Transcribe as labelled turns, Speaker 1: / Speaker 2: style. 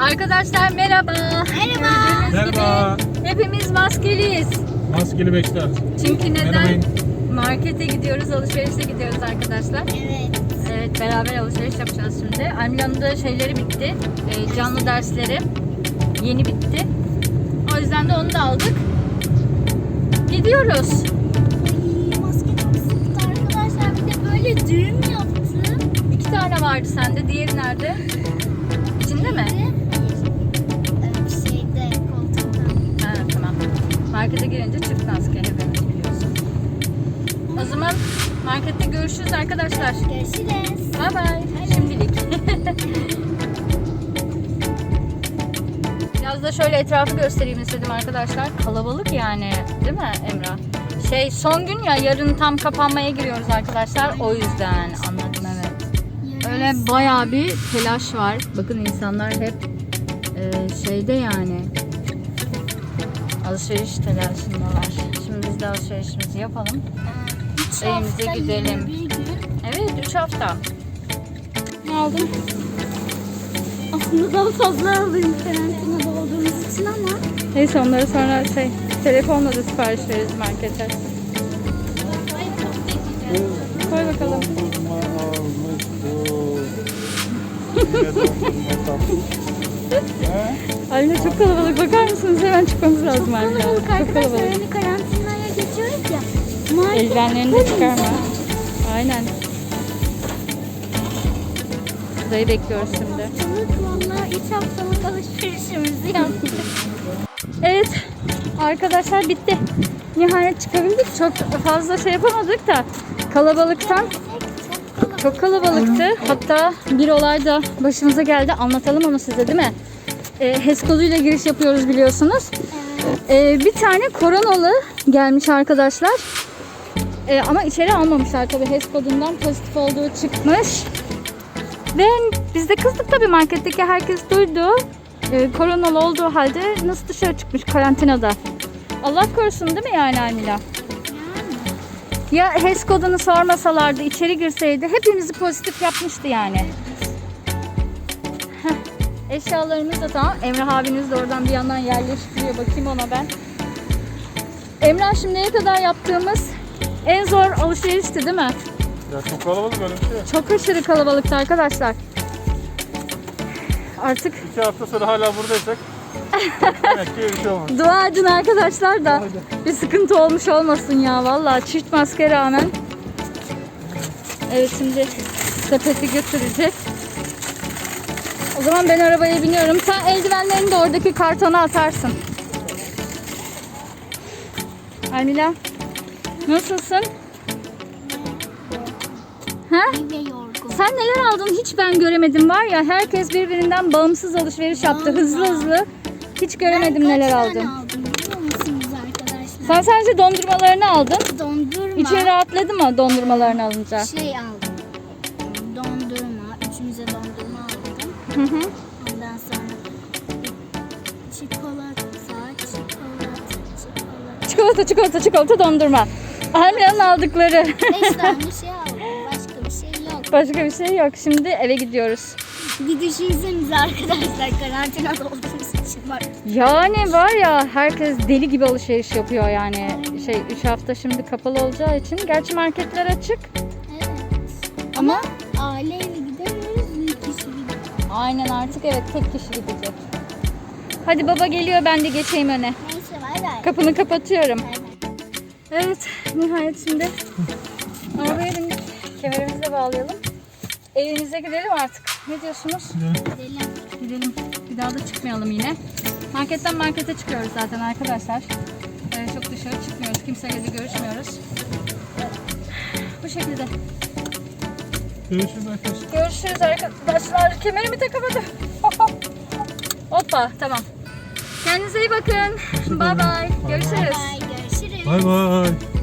Speaker 1: Arkadaşlar merhaba.
Speaker 2: Merhaba.
Speaker 3: Merhaba.
Speaker 1: Hepimiz maskeliyiz.
Speaker 3: Maskeli bekler.
Speaker 1: Çünkü neden?
Speaker 3: Merhabayın.
Speaker 1: Markete gidiyoruz, alışverişe gidiyoruz arkadaşlar.
Speaker 2: Evet.
Speaker 1: Evet, beraber alışveriş yapacağız şimdi. Almila'nın da şeyleri bitti. Canlı dersleri yeni bitti. O yüzden de onu da aldık. Gidiyoruz.
Speaker 2: Ay, maske çok sıktı arkadaşlar. Bir de böyle düğüm yaptı.
Speaker 1: 2 tane vardı sende. Diğeri nerede? İçinde mi?
Speaker 2: Şeyde, koltukta.
Speaker 1: Ha, tamam. Markete girince çift maske hepimiz biliyorsun. O zaman markette görüşürüz arkadaşlar.
Speaker 2: Görüşürüz.
Speaker 1: Bye bye. Şimdilik. Biraz da şöyle etrafı göstereyim istedim arkadaşlar. Kalabalık yani, değil mi Emrah? Son gün ya, yarın tam kapanmaya giriyoruz arkadaşlar. O yüzden anladım, evet. Öyle bayağı bir telaş var. Bakın insanlar hep şeyde yani. Alışveriş telaşındalar. Şimdi biz de alışverişimizi yapalım. Evimize gidelim. Evet, 3 hafta. Ne aldın?
Speaker 2: Aslında daha fazla alayım karantinada olduğumuz için ama.
Speaker 1: Neyse, onları sonra telefonla da sipariş veririz markete. Koy bakalım. Anne çok kalabalık, bakar mısınız? Hemen çıkmamız lazım
Speaker 2: Çok
Speaker 1: anne.
Speaker 2: kalabalık
Speaker 1: Çok
Speaker 2: arkadaşlar.
Speaker 1: kalabalık.
Speaker 2: Hani karantinaya geçiyoruz ya.
Speaker 1: Eldivenlerini de çıkarma. Aynen. Burayı bekliyoruz şimdi.
Speaker 2: Valla 3 haftalık alışverişimizi yaptık.
Speaker 1: Evet arkadaşlar, bitti. Nihayet çıkabildik. Çok fazla şey yapamadık da kalabalıktan. Çok kalabalıktı. Hatta bir olay da başımıza geldi. Anlatalım onu size, değil mi? HES koduyla giriş yapıyoruz biliyorsunuz. Bir tane koronalı gelmiş arkadaşlar. Ama içeri almamışlar tabii. HES kodundan pozitif olduğu çıkmış. Ve biz de kızdık tabii, marketteki herkes duydu. Koronalı olduğu halde nasıl dışarı çıkmış karantinada. Allah korusun, değil mi yani Almila? Ya HES kodunu sormasalardı, içeri girseydi hepimizi pozitif yapmıştı yani. Eşyalarımız da tamam. Emrah abiniz de oradan bir yandan yerleştiriyor. Bakayım ona ben. Emrah, şimdiye kadar yaptığımız en zor alışverişti değil mi?
Speaker 3: Ya çok kalabalık, öyle bir şey.
Speaker 1: Çok aşırı kalabalıktı arkadaşlar. Artık
Speaker 3: 2 hafta sonra hala buradaysak demek ki bir şey olmaz.
Speaker 1: dua edin arkadaşlar da bir sıkıntı olmuş olmasın ya. Vallahi çift maske rağmen. Evet, şimdi sepeti götürecek. O zaman ben arabaya biniyorum. Sen eldivenlerini de oradaki kartona atarsın. Almila, nasılsın? Ha?
Speaker 2: Ve yorgun.
Speaker 1: Sen neler aldın hiç ben göremedim var ya. Herkes birbirinden bağımsız alışveriş yaptı. Hızlı hızlı. Hiç göremedim neler aldın.
Speaker 2: Ben kaç tane aldım biliyor musunuz arkadaşlar?
Speaker 1: Sen sadece dondurmalarını aldın.
Speaker 2: Dondurma.
Speaker 1: İçeri rahatladı mı dondurmalarını alınca?
Speaker 2: aldım. Dondurma. Üçümüze dondurma aldım.
Speaker 1: Hı hı.
Speaker 2: Ondan sonra
Speaker 1: Çikolata dondurma. Almila'nın aldıkları.
Speaker 2: 5 tane şey aldım. Başka bir şey yok.
Speaker 1: Başka bir şey yok. Şimdi eve gidiyoruz.
Speaker 2: Bir düşünsenize arkadaşlar, karantinada olduğumuz için var.
Speaker 1: Yani var ya, herkes deli gibi alışveriş yapıyor yani. 3 hafta şimdi kapalı olacağı için. Gerçi marketler açık.
Speaker 2: Evet.
Speaker 1: Ama
Speaker 2: Aileyle gidemiyoruz, büyük kişi gidiyor.
Speaker 1: aynen, artık evet, tek kişi gidecek. Hadi baba geliyor, ben de geçeyim öne.
Speaker 2: Neyse, bay bay.
Speaker 1: Kapını kapatıyorum.
Speaker 2: Bay bay.
Speaker 1: Evet, nihayet şimdi arabaya bindik. Kemerimizi de bağlayalım. Evimize gidelim artık. Ne diyorsunuz?
Speaker 2: Gidelim.
Speaker 1: Gidelim. Bir daha da çıkmayalım yine. Marketten markete çıkıyoruz zaten arkadaşlar. Çok dışarı çıkmıyoruz. Kimseyle de görüşmüyoruz. Bu şekilde.
Speaker 3: Görüşürüz arkadaşlar.
Speaker 1: Görüşürüz arkadaşlar. Kemerimi takamadım. Hoppa, tamam. Kendinize iyi bakın. Bye bye. Görüşürüz.
Speaker 2: Bay bay, görüşürüz.
Speaker 3: Bay bay.